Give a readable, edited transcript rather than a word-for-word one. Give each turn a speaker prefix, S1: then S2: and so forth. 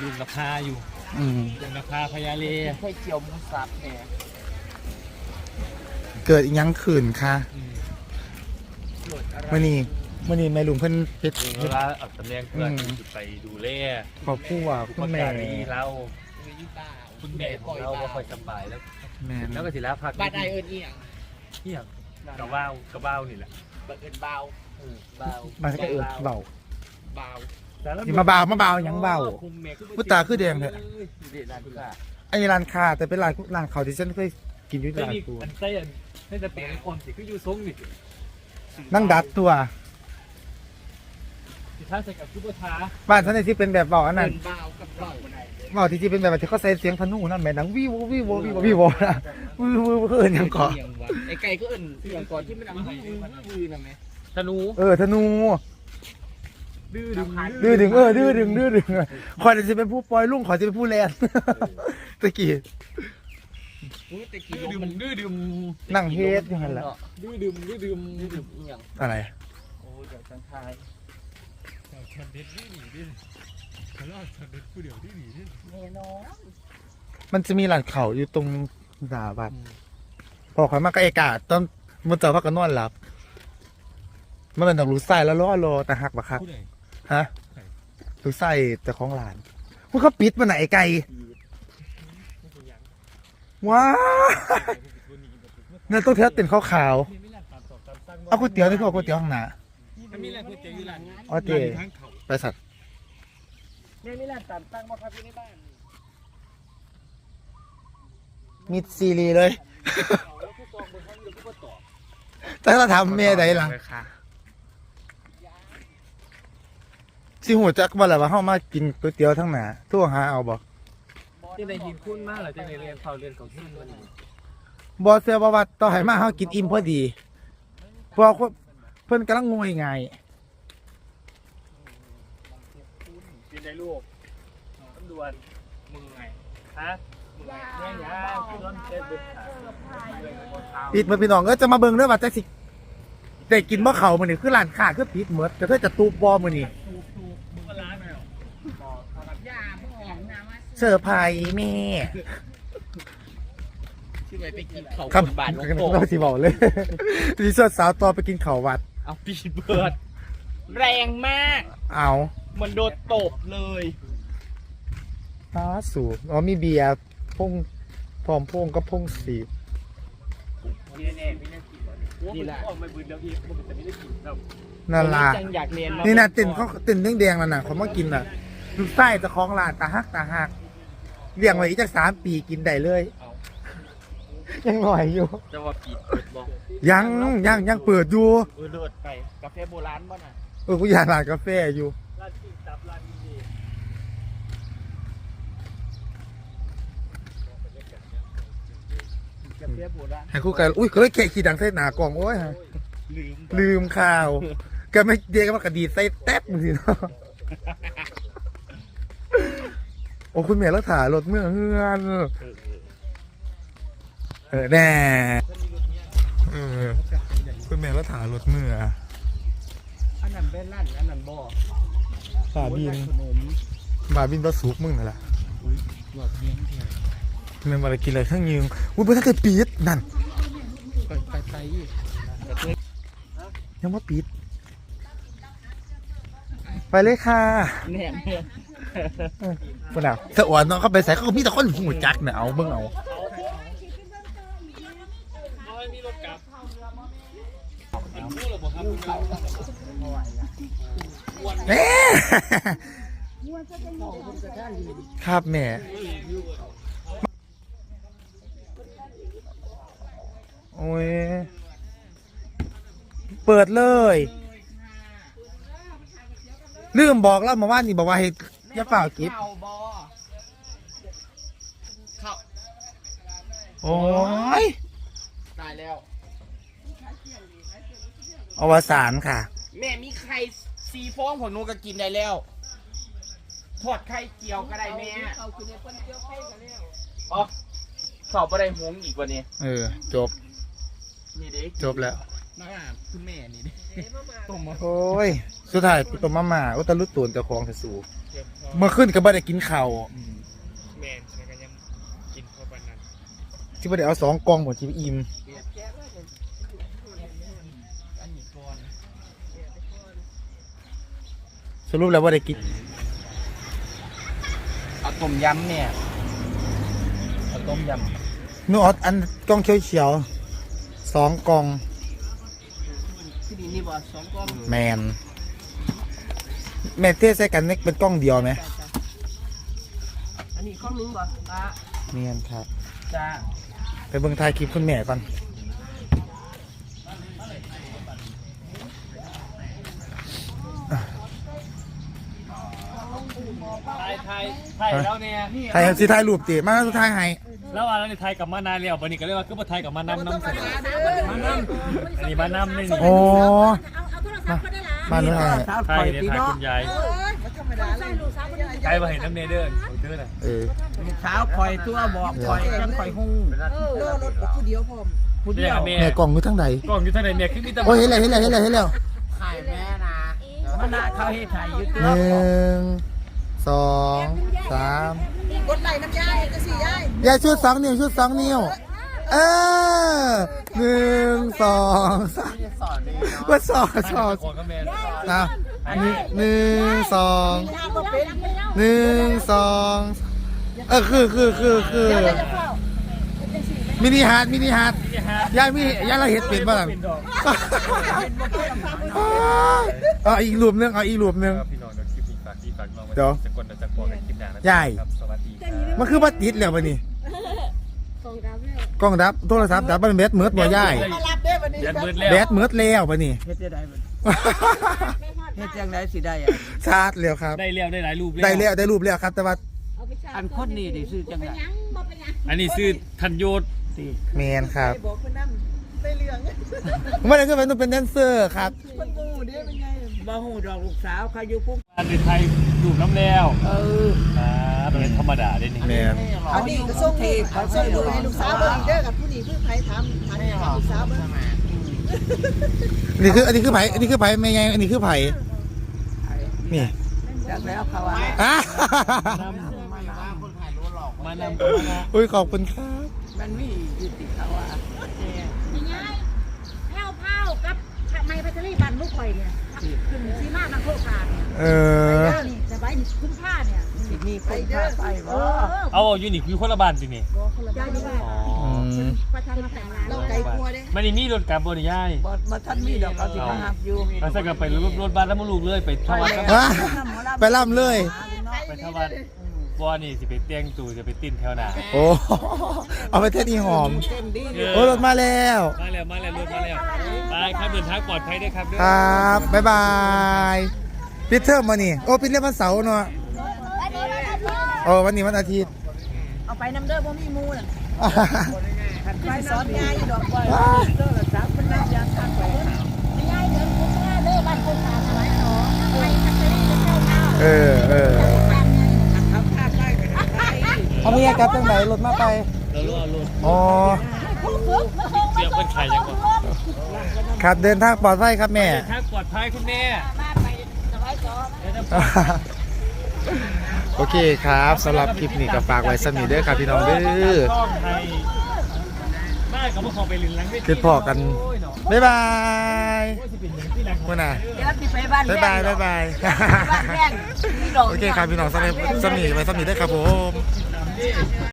S1: ยุงราคาอยู่ยุงราคาพญาเล
S2: ไข่เจียวหมูสับแหน
S3: เกิดอีกยังขืนค่ะมื่อนี้แม่ลุงเพิ่นเพชร
S1: เวลาอัดตำแหน่งเพื่อนจะไปดูแล
S3: ขอบผู้ว่าคุณแม่
S1: เราคุณแม่ของเราก็ค่อยสบายแล้วแล้วก็สิแล้วพัก
S2: บ้านไอเอิญเอียง
S1: เที่ยงกระบ้าวนี่แหละ
S2: บ้านเอิญเบาเบา
S3: มาก็เอิดเบา
S2: เบา
S3: อย่ามาเบายังเบาพุตาคือแดงเลยไอ้ร้านค้าแต่เป็นร้านเขาที่ฉันเคยกินอยู่ร้านกู
S1: มันใส่ให้จะเป็นคนสิคืออยู่ทรงนี่
S3: นั่งดัดตัว
S1: สิท่าใส่กับซุปเปอร์ท้า
S3: บ้านฉันที่เป็นแบบเบาอันนั้น
S2: เบากับเบาไหน
S3: เบาที่เป็นแบบที่เขาใส่เสียงพนุนั่นแม่ดังวิวนะเอิญยังเกาะ
S2: ไอ้ไก่ก็เอิญเสียงก่อนที่มันดังวือนะแม่
S1: ธนู
S3: ธนูดื้อดึงคอยจะเป็นผู้ปล่อยลุงขอจะเป็นผู้แลนตะกี้
S2: แต่กี่
S1: ดื้อดื่ม
S3: นั่งเฮดอยู่หันละ
S1: ดื้อดื่ม
S2: อย่าง
S3: อะไร
S2: โอ้เดี๋ยวสังทาย
S1: ฉันเด็ดดื้อหนีดิฉันรอดฉันเด็ดผู้เดียวดื้อหนีดิ
S2: แน่นอน
S3: มันจะมีหลังเขาอยู่ตรงสาบัดพอข่อยมาก็เอกาตอนมันเจอพักกันนอนหลับมันเป็นต้องรู้ไส้แล้วรอแต่หักบักคักฮะรู้ไส้แต่ของหลานมันเขาปิดมันไหนไก่ว้าเนี่ยต้องเทสเต็นขาวๆเอาก๋วยเตี๋ยวนี่คือก๋วยเตี๋ยวข้างหน้า
S1: มีอะไรก๋วยเตี๋ยวอยู่ร้าน
S3: อ๋อเจไปสัตว์
S2: แม่มีร้านตามตั้งมาครับอยู่ในบ้าน
S3: มีซีรีเลยแต่เราทำเมียใดล่ะสิหูจักบ่ล่ะว่าเฮามากินก๋วยเตี๋ยวทั้งหน้าทั่วหาเอาบ่
S1: ที่ในหินคุ้นมากเหรอที่ในเรียนเขาเรียนของที่มัน
S3: บ่เสื้อบ่ว่าต่อให้มาเฮากินอิ่มพอดีเพราะเพิ่นกำลังงวยไง
S1: กินได้ลูกตำรวจมึงไงฮะมึงไงเนี่ยคือร้อนเจ็บบึ้ง
S3: ปิดมื้อพี่น้องก็จะมาเบิ่งเด้อว่าจักสิได้กินบ่เข้ามื้อนี้คือร้านค้าคือปิดหมดก็เธอจะตูบบ่มื้อนี้
S1: มึงก็ร้านไหนหรอ
S2: ยาพ่อของน้ำมา
S3: เซอร์ไพรส์แม่
S2: ที่ไปกินเขา
S3: ครับ
S2: บ้านหลวง
S3: เรา
S2: ปู่
S3: สิบอกเลยสิชวนสาวต่อไปกินข้าววัด
S1: เอาปีเบิร์ด
S2: แรงมาก
S3: เอา
S2: มันโดนตบเลย
S3: ฟ้าสูบอ๋อมีเบียร์พงพร้อมพงก็พงสีบ
S1: นี่แน่ไม่น่ากินนี่แหละออกมาบืนแล้วอีกมันจะไม่ได้กินแล้ว
S3: นั่นล่ะ
S2: จังอยากเรียน
S3: นี่นะติ่นเขาติ่นแดงๆนั่นน่ะเขามากินน่ะลูกไส้จะคล้องลานตาหักเลี้ยงไว้อีกจัก3 ปีกินได้เลย ยังหน่อยอยู่
S2: จะว่าปิดเปิดบอก
S3: ยังเปิดอยู่
S2: เลิศไปกาแฟโบราณบ้านอ่ะ
S3: กูอยากร้านกาแฟอยู่
S1: ร้านกินตับร้านดี
S2: กาแฟโบราณ
S3: ให้คู่กันอุ้ยก็เลยแค่ขี้ดังใส่หนากล่องโอ้ยลืมข่าวก็ไม่เดียกมันกระดีดใส่แต๊บมึงสิเนาะโอ้คุณแม่รักษารถเมื่อเฮือนแน่คุณแม่รักษารถเมื่อ
S2: อันนั้นเป็นร้านอันนั้นบ่
S3: บาบิน
S2: ขนม
S3: บาบินปลาสุกมึงนั่นแหละ
S2: หลอดเลี้ยงเที่ยว
S3: เมื่อมากินอะไรข้างยืงอุ้ยเพื่อนเคยปีดนั่น
S2: ไป
S3: ยังว่าปีดไปเลยค่ะ
S2: แหนมเนี่ย
S3: คนเอาสะอ่อนน้องเข้าไปใส่เขาก็มีแต่คนหูจักเนี่ยเอาเบิ่งเอา
S1: มีรถกลับเป็นผู้ระบบครับ
S3: แม่ครับแม่โอ้ยเปิดเลยลืมบอกแล้วมาว่านี่บอกว่าให้อย่าเปล่ากิฟ
S2: เข่าบ่เข่า
S3: โอ้ย
S2: ตายแล้ว
S3: อวสานค่ะ
S2: แม่มีไข่ซีฟองของหนูก็กินได้แล้วทอดไข่เจียวก็ได้แม่เขาคือในคนเจียวไข่กันแล้วอ๋อเขาไปได้หงอีกวันนี้
S3: จบ
S2: นี่เด็ก
S3: จบแล้ว
S2: มาคุณแม่นี่ดิต้มมา
S3: โอ้ยสุดท้ายตัวมาม่าอุตลุตูนเจ้าของจะสู้เมื่อขึ้นก็บ่ได้กินข้าว
S1: แมนใช่กันยังกินเข้าไปนั้น
S3: ที่บ่ได้เอา2กล่องบ่ที่อิ่ม
S2: อันนี้ก่อน
S3: สรุปแล้วบ่ได้กิน
S2: เอาต้มยำเนี่ยเอาต้มย
S3: นูออดอันกล่องเขียวๆ2กล่อง
S2: ำที่นี่บ่2กล่อง
S3: แมนแม่เทใส่กันนี่เป็นกล้องเดียวไหม
S2: อันนี้กล่องนึงบ่ป้า
S3: เนียนครับ
S2: จ้า
S3: ไปเบิ่งถ่ายคลิปคุณแม่ก่อน
S1: ไทยแล้วเนี่ย
S3: ถ่ายสิถ่ายรูปติมาสุดท้ายให้
S1: แล้วอะไรในไทยกับมานานแล้ววันนี้ก็เรียกว่าคือมาไทยกับมานำน้ำเสนอมานำอันนี้มานำนี่
S3: โอ้
S4: เอาโทรศัพท์ก็ได้ละ
S3: มาเลย
S1: ไทยเนี่ยถ่ายคุณยายไทยมาเห็นน้ำเนเดอร์ของเธอน่ะ
S3: เออ
S2: เช้าคอยตัวบอกคอยจังคอยหุ้ง
S4: รถผู้เดียวพร้อม
S2: ผู้เดี
S1: เรีย
S2: ย
S1: ก
S2: ว
S1: แม่
S3: แม่กล้องอยู่ทางใด
S1: กล้องอยู่ทางไหนแม่คือมีแต่
S3: โอ้ยเห็นแล้ว
S2: ถ่ายแม่นะมันน่าเขาให้ถ่ายอยู่
S3: ห
S2: ตัว
S3: นึ่งสองสาม
S4: กดไหลน้ำยายจะสี่ยาย
S3: ยายชุด2 นิ้วชุด2 นิ้วเออ1 2 3
S2: สอนนี่
S3: ว่าสอง
S1: คนก็แม่
S3: นะ1 2
S4: ทางก็เป็น
S3: 1 2คือมินิฮาร์ดยายเราเห็ดเป็ดบ้าง เอาอีกรูปนึง
S1: พี่น้องเดี๋ยวคลิปนี้ฝากพี่ฝากน้องไว้จะกดจะปล่อยคลิปดังนะครับสวัสดีครับ
S3: มันคือบัติดแล้วปะนี่กล้องดับโทรศัพท์ดับมันแบตเมิดบ่ย่าย
S4: มารับได้วันนี้
S1: ยันมืดแล้ว
S3: แบตเมิดแล้วปะนี่
S2: เฮ็ดจะได้บ่เฮ็ดจังไดสิได้อะ
S3: ชาร์จแล้วครับ
S1: ได้แล้วได้หลายรูป
S3: ได้รูปแล้วครับ แต่ว่า
S2: อันคนนี้ดิซื้อจังได
S1: อันนี้ซื้อทันโยศ
S2: สิ
S3: แมนครับ
S4: บอกคนนั่งได้เรื่อง
S3: ไม่ได้ก็เป็นต้องเป็นแดนเซอร์ครับ
S4: คนงูเด้เป็นไง
S2: บ่ฮู้ดอกลูกสาวเขาอยู่ปุ๊บ
S1: อันในไทยดูน้ำแล้ว
S2: เออ
S1: เป็นธรรมดาได้นี่
S3: แมน
S4: อันนี้ก็ส่งเขาส่งดูให้ลูกสาวเบิ่งเด้อกับผู้นี้คือไผถามให้ลูกสาวเบิ่ง
S3: อันนี้คือไผ่แม่ไงอันนี้คือไผ่นี่
S2: จักแล้วเขาว่า
S3: อ่ะ
S1: มานำกันนะ
S3: อุ้ยขอบคุณครับ
S2: มันมีอยู่ติเขาว่า
S4: ยังไงแพ้วเผากับไม้พัชรีบันลูกข่อยเนี่ยขึ้นซีมาทางโคกาเนี่ย
S3: เออ
S4: นี่สบายนี่คุ้มค่าเนี่ย
S2: สิมีคนพาไปบ่
S1: เอาอยู่นี่คือคนละบ้านสินี่
S4: ยายนี่ว่า
S1: อ๋อ
S4: ประธานมาแต่งงานเราไกลกลัวเด้
S1: ไม่ได้มีรถกลับบริยาย
S2: บ่ทันมีดอกเขาสิมาหับอยู่
S1: เราใส่กันไปรถบ้านแล้วมาลูกเลยไปทวัดกัน
S3: ฮะไปล่ำเลย
S1: ไปทวัดบ่นี่สิไปเตียงตู่จะไปติ้นแถวหน้า
S3: โอ้เอาไปเทศอีหอม
S2: เต็มดี
S3: โอ้รถมาแล้ว
S1: มาแล้วรถมาแล้วไปครับเดินทางปลอดภัยด้วยครับ
S3: ครับบ๊ายบายปิดเทอมมานี่โอ้ปิดเรียกวันเสาร์เนาะโอ้วันนี้วันอาทิตย์
S4: เอาไปน้ำเด้อบ่มีมูน่ะไปสอนยายอยู่ดอกบ่โทรศัพท์มันน่ายางทางไปยายเดินคุ้มค่าเด้อบ้านโคกาอะไรเนาะไม้พัชรีจะเข้าเท้า
S3: เออ
S2: เขาพาได้ก็ได้
S3: เอาเมียกลับจังไหนรถมาไป
S1: เรารู้รถ
S3: อ๋อ
S1: เสียงเป็นใครยังก่อน
S3: ครับเดินทางปลอดภัยครับแม่
S1: เดินทางปลอดภัยคุณแม่
S3: โอเคครับสำหรับคลิปนี้ก็ฝากไว้สมีเด้อครับพี่น้องเด้อ
S1: ต้องไทยบ้านกับพวกเขาไปลินลัง
S3: ติดพอกัน บ๊ายบาย มื่อน่ะ
S4: เดี๋ยวสิไปบ้าน
S3: บ๊ายบายบ๊ายบาย
S4: บ้านแพงมีดอก
S3: โอเคครับพี่น้องสำหรับสมีไว้สมีได้อครับผม